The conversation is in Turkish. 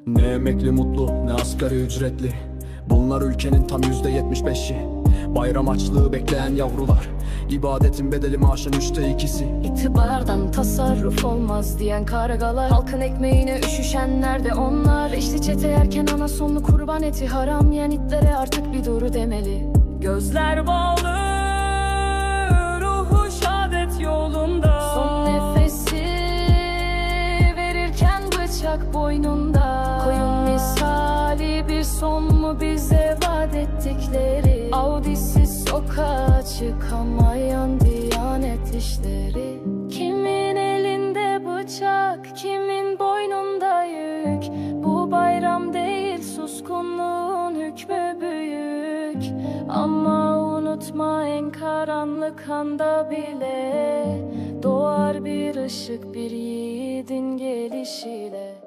Ne emekli mutlu ne asgari ücretli, bunlar ülkenin tam %75'i. Bayram açlığı bekleyen yavrular, ibadetin bedeli maaşın 2/3'isi. İtibardan tasarruf olmaz diyen kargalar, halkın ekmeğine üşüşenler de onlar. İşte çete yerken ana sonlu kurban eti, haram yiyen itlere artık bir doğru demeli. Gözler bağlı, ruhu şahadet yolunda. Son nefesi verirken bıçak boynunda. Koyun misali bir son mu bize vaat ettikleri? Audisiz sokağa çıkamayan diyanet işleri. Kimin elinde bıçak, kimin boynunda yük. Bu bayram değil, suskunluğun hükmü büyük. Ama unutma, en karanlık anda bile doğar bir ışık, bir yiğidin gelişiyle.